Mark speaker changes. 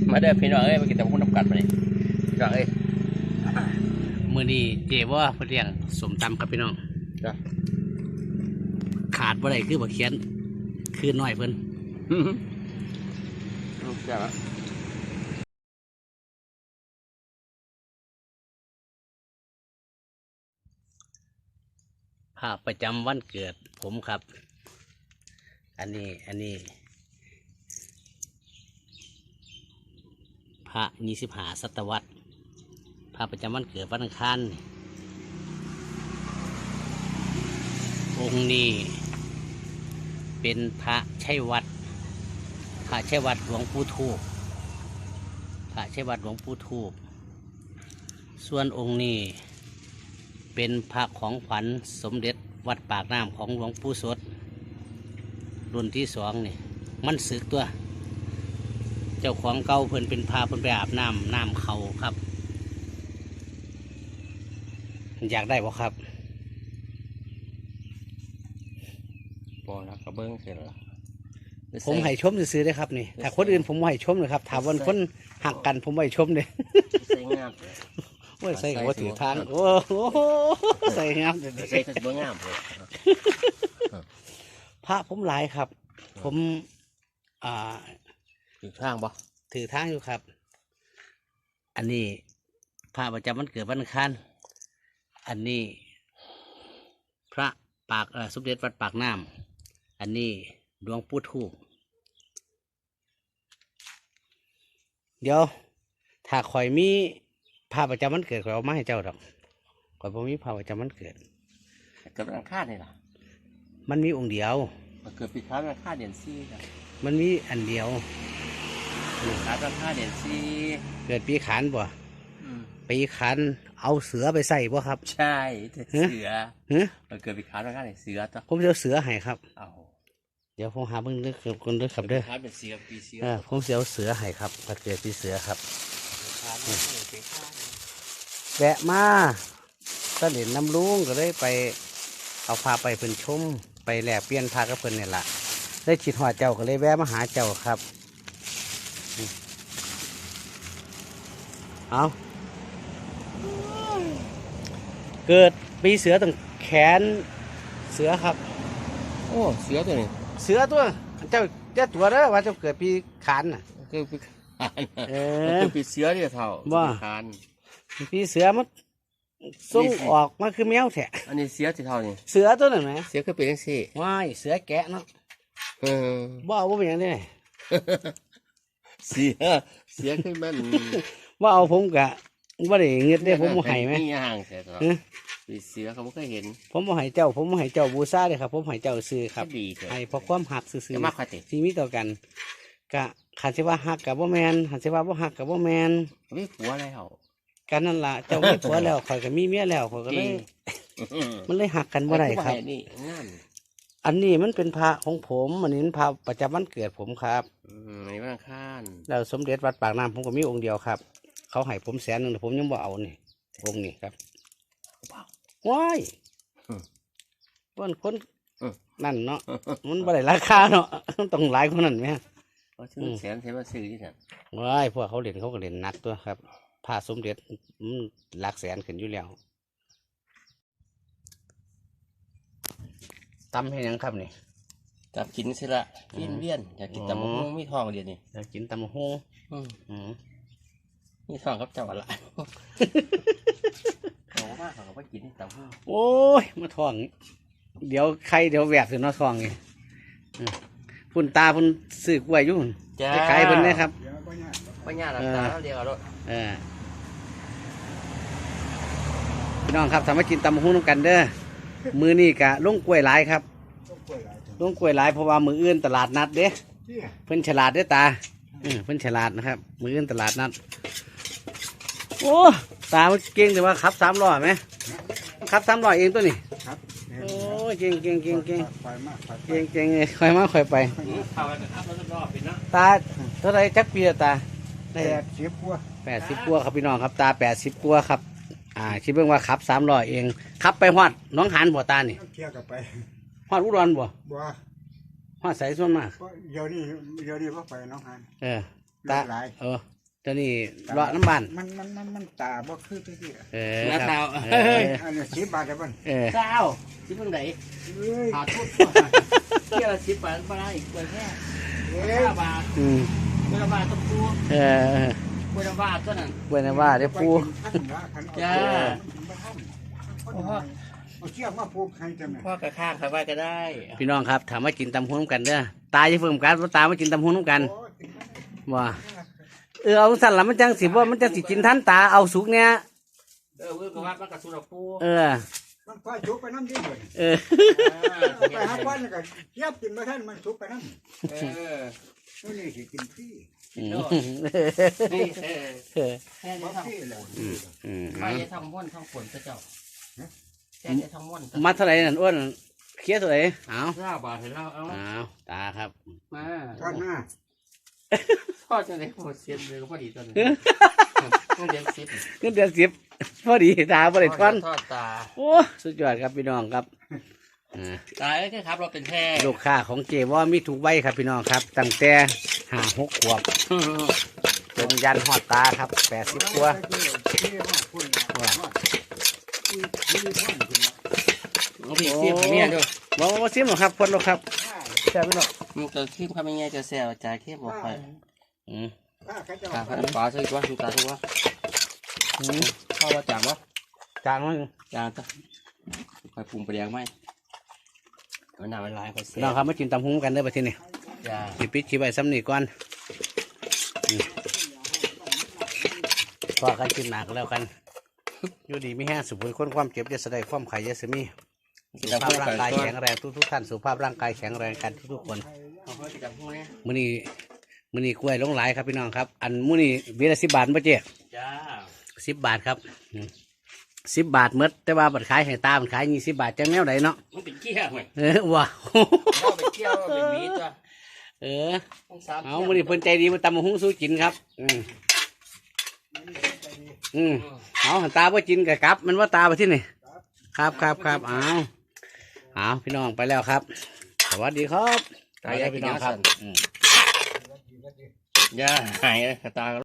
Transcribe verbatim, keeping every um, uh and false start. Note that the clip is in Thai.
Speaker 1: มาเด้อพี่น้องเอ้ยมากินแต่พวกน้ำกัดมาเลยพี่น้องเอ้ย
Speaker 2: มือนี้เจ๊ว่าเพื่อเลี้ยงสมตำครับพี่น้อง
Speaker 1: จ้ะ
Speaker 2: ขาดบ่ได้คือบ่เขียนคือน้อยเพิ่น
Speaker 1: จ้ะ
Speaker 2: ภาพประจำวันเกิดผมครับ อันนี้อันนี้พระยี่สิบห้าศตวรรษภาพประจำวันเกิดวันอังคารองค์นี้เป็นพระชัยวัดพระชัยวัดหลวงปู่ทูบพระชัยวัดหลวงปู่ทูบส่วนองค์นี้เป็นพระของขวัญสมเด็จวัดปากน้ำของหลวงปู่สดรุ่นที่สองนี่มันสึกตัวเจ้าของเก่าเพิ่นเป็นพาเพิ่นไปอาบน้ำน้ำเขาครับอยากได้บ่ครับ
Speaker 1: บ่แล้วก็เบิ้งเสร็จแล้ว
Speaker 2: ผมให้ชมซื้อได้ครับนี่ถ้าคนอื่นผมไม่ให้ชมเลยครับถามวันคนหักกันผมไม่ให้ชมเลย
Speaker 1: ใส่งามเลย
Speaker 2: โอ้ยใส่หัวถือทางโอ้โหใส่งามเลย
Speaker 1: ใส่ก็บ่งามเลย
Speaker 2: พระผมหลายครับผมอ่า
Speaker 1: ถือทางบ่
Speaker 2: ถือทางอยู่ครับอันนี้พระประจำวันเกิดวันอังคารอันนี้พระปากสมเด็จวัดปากน้ำอันนี้หลวงปู่ทูบเดี๋ยวถ้าข่อยมีพระประจำวันเกิดข่อยเอามาให้เจ้าดอกข่อยบ่มีพระประจำวันเกิด
Speaker 1: เกิดวันอังคารนี่ล่ะ
Speaker 2: มันมีองค์เดียว
Speaker 1: มันเกิดปีขาดวันอังคารเดือนสี่ครับ
Speaker 2: มันมีอันเดียว
Speaker 1: ปีขาดวันอังคารเดือนสี่
Speaker 2: เกิดปีขานบ่ปีขานเอาเสือไปใส่บ่ครับ
Speaker 1: ใช่เสือมันเกิดปีขาดวันอังคารเสือต่อ
Speaker 2: ผมจะเอาเสือให้ครับ
Speaker 1: เอา
Speaker 2: เดี๋ยวผมหาเบิ่งเด้อคนเด้อครับเด้อ
Speaker 1: เป็นเสือปีเสือ
Speaker 2: เออผมจะเอาเสือให้ครับเกิดปีเสือครับแวะมาตะเด่นน้ำลุงก็เลยไปเอาพาไปเพิ่นชมไปแลกเปลี่ยนพากับเพิ่นเนี่ยละได้คิดหอดเจ้าก็เลยแวะมาหาเจ้าครับเอาเกิดปีเสือตั้งแขนเสือครับ
Speaker 1: โอ้เสือตัวนี้
Speaker 2: เสือตัวเจ้าเจ้าตัวเด้อว่าเจ้าเกิดปีขานน่ะ
Speaker 1: เกิดปีขานเออปีเสือเนี่ยเท่า
Speaker 2: ว่าปีเสือมันส่งออกมาคือแมวแท้
Speaker 1: อันนี้เสือที่เท่านี่
Speaker 2: เสือตัวนั้นไหม
Speaker 1: เสือคือเป็นยังสี่
Speaker 2: ว้ายเสือแกะเนาะ
Speaker 1: เออ
Speaker 2: บ่เอาบ่เป็นยังไง
Speaker 1: เสือเสือคือมัน
Speaker 2: ว่าเอาผมกะว่าได้เงินได้ผมบ่ให้ไหม
Speaker 1: นี่ห่างแท้ตัวปีเสือเขาไม่เคยเห็น
Speaker 2: ผมบ่ให้เจ้าผมบ่ให้เจ้าบูชาเลยครับผมให้เจ้าซื้อครับให้เพราะความหักซื้อๆที่มีต่อกันกะขันสิว่าหักกับบ่แมนขันสิว่าบ่หักกับบ่แมน
Speaker 1: มีผัวแล้ว
Speaker 2: กันนั่นล่ะเจ้ามีผัวแล้วข่อยก็มีเมียแล้วข่อยก็เลยมันเลยหักกันบ่ได้ครับอันนี้มันเป็นพระของผมอันนี้เป็นพระประจำวันเกิดผมครับ
Speaker 1: ในวันอังคาร
Speaker 2: แล้วสมเด็จวัดปากน้ำผมก็มีองค์เดียวครับเขาให้ผมแสนหนึ่งแต่ผมยังบ่เอานี่องค์นี้ครับว้ายเพื่อนคนนั่นเนาะมันบ่ได้ราคาเนาะต้องหลายคนนั่นไหม
Speaker 1: แสนเท่าซื้อที่นั่น
Speaker 2: ว้ายพวกเขาเล่นเขาก็เล่นนักตัวครับพระสมเด็จหลักแสนขึ้นอยู่แล้วตำให้ยังครับนี่
Speaker 1: จับกินสิละกินเวียนอยากกินตำมะฮุ่งมีทองเดียวนี่
Speaker 2: อยากกินตำมะฮุ่ง
Speaker 1: มีทองครับเจ้าอะไรเขาว่าเขาก็กินตำมะฮุ่ง
Speaker 2: โอ้ยมาทองเดี๋ยวใครเดี๋ยวแหวกถึงน้อทองนี่พุ่นตาพุ่นสื่อกล้วยยุ่งจะขายเพิ่นนะครับ
Speaker 1: ปัญญาหลับตาเดียวเอาด้วย
Speaker 2: พี่น้องครับสามารถกินตำมะฮุ่งน้ำกันเด้อมือนี่กะลุงกล้วยหลายครับลุงกล้วยหลายเพราะว่ามืออื่นตลาดนัดเด้เพิ่นฉลาดเด้ตาเพิ่นฉลาดนะครับมืออื่นตลาดนัดโอ้ตาเก่งแต่ว่าขับสามล้อไหมขับสามล้อเองตัวนี้โอ้เก่งเก่งเก่งเก่งเก่งเก่งเลยค่อยมาค่อยไปตาเท่าไรจักปีตา
Speaker 3: แปดสิบกว่า
Speaker 2: แปดสิบกว่าครับพี่น้องครับตาแปดสิบกว่าครับอ่าคิดเบิ่งว่าขับสามล้อเองขับไปฮอดน้องหานบ่ตานี่
Speaker 3: เที่ยวกับไป
Speaker 2: ฮอดอุดรบ่
Speaker 3: บ่
Speaker 2: ฮอดใส่ส่วนมาก
Speaker 3: เดี๋ยวนี้เดี๋ยวนี้พ่อไปน้องหาน
Speaker 2: เออตาเออตัวนี้เลาะน้ำบ้าน
Speaker 3: มันมันมันมันตาบ่คือที่ที่
Speaker 2: เออ
Speaker 1: แล้ว
Speaker 2: ครั
Speaker 1: ดา
Speaker 2: บ
Speaker 1: ว
Speaker 2: เออ
Speaker 3: อันนี้สิบบาทได้บ่
Speaker 2: เออ
Speaker 1: เจ้าที่เพิ่งไหน
Speaker 3: เอ้ย
Speaker 1: หาทุบเที่ยวละสิบบาทมาได้อีกคนแค่
Speaker 3: เอ้
Speaker 1: ห้าย บาท
Speaker 2: อืม
Speaker 1: เวลาบาทต้องปู
Speaker 2: เออ
Speaker 1: เวลาบาทก็นั่น
Speaker 2: เว้นว่าเดี๋ยวปู
Speaker 1: จ้า
Speaker 3: เอาเชือกมาผูกให้จังไง
Speaker 1: พ่อกระข้างใครว่าก็ได้
Speaker 2: พี่น้องครับถามว่ากินตำหุ้นกันเด้อตาจะเพิ่มกันว่าตามากินตำหุ้นกันว่าเออเอาสั่นละมันจังสิว่ามันจังสิกินทันตาเอาสุกเนี้ย
Speaker 1: เออเว้ยก็ว่ามันกระสุนปู
Speaker 2: เออ
Speaker 3: มันพาชุบไปน้ำที่เบิด
Speaker 2: เออ
Speaker 3: เอาไปหาวันแล้วก็เทียบกินมาท่านมันชุบไปน้ำ
Speaker 1: เออ
Speaker 3: นี่นี่สิกินฟรี
Speaker 2: อืม
Speaker 1: นี่เออ
Speaker 2: เออ
Speaker 1: แค่
Speaker 3: บ่
Speaker 1: นี้ท
Speaker 3: ฟรีแล้ว
Speaker 2: อืมอืม
Speaker 1: ำใครจะทำม้วนทำฝนเจ้าแค่จะทำม้วน
Speaker 2: มาเท่าไหร่นั่นอ้วนเคลียร์เท่าไหร่เอา
Speaker 1: ห้าบาทเห็นเราเอา
Speaker 2: เอาตาครับ
Speaker 1: มา
Speaker 3: ทอดหน้า
Speaker 1: ทอดจะได้หมดเสียนเลยก็พอดีตอนนี้ต้องเลี้ยงซิป
Speaker 2: เงินเดือนสิบพอดีตาพอดีทอน
Speaker 1: ทอดตา
Speaker 2: โอ้สุดยอดครับพี่น้องครับอ่า
Speaker 1: ตายแค่ครับเราเป็นแพร่
Speaker 2: ลูกค้าของเจว่ามีถูกใบครับพี่น้องครับตั้งแต่ห้าหกขวบจนยันหอดตาครับแปดสิบตัว
Speaker 1: น้องพี่ซิมทำยังไงดู
Speaker 2: บอกว่าซิมหรอครับพนหรอกครับใช่ไหมเนาะ
Speaker 1: มันจะซิมทำยังไงจะแซวจ่ายแค่บอกไป
Speaker 2: อืม
Speaker 1: ตาพันปลาซื้อว่าตาซื้อว่า
Speaker 2: อืม
Speaker 1: เข้าว่าจางวะ
Speaker 2: จางมั้ง
Speaker 1: จางจ้ะไปปรุงไปเลี้ยงไหมมันหนามันลายไปเสี
Speaker 2: พี่
Speaker 1: ย
Speaker 2: น้องครับมากินตำหุ้งกันเด้อไปที่นี่
Speaker 1: จ้า
Speaker 2: ขีปิดขีใบซ้ำนี่ก่อนอืมพอกันกินหนักแล้วกันอยู่ดีไม่แห้งสุขคนความเจ็บจะแสดงความไข่ยาสมีสุขภาพร่างกายแข็งแรงทุกๆท่านสุขภาพร่างกายแข็งแรงกันทุกๆคน
Speaker 1: เขาเพิ่งจะพูดเนี่ย
Speaker 2: มื้อนี้มื้อนี้กล้วยลงหลายครับพี่น้องครับ อันมื้อนี้เบียร์ละสิบบาทป่ะเจ๊
Speaker 1: จ้า
Speaker 2: สิบบาทครับสิบบาทหมดแต่ว่าบัตรขายให้ตาบัตรขายยี่สิบบาทจังแนวไหนเนาะ
Speaker 1: มันเป็นเกี้ยวไหม
Speaker 2: เออว้า
Speaker 1: เราเป็นเกี้ยวเป็นหวีจ้ะ
Speaker 2: เออ
Speaker 1: ต้องสาม
Speaker 2: เอามื้อนี้เพิ่นใจดีมาตำมะฮุ้งสู้กินครับ อืมอืมเอาหันตาบ่กินกับกลับ มันว่าตาไปที่นี่ครับครับครับเอาเอาพี่น้องไปแล้วครับ สวัสดีครับ
Speaker 1: ตายแล้วพี่น้องครับ
Speaker 2: อืม
Speaker 1: ย่าหายตา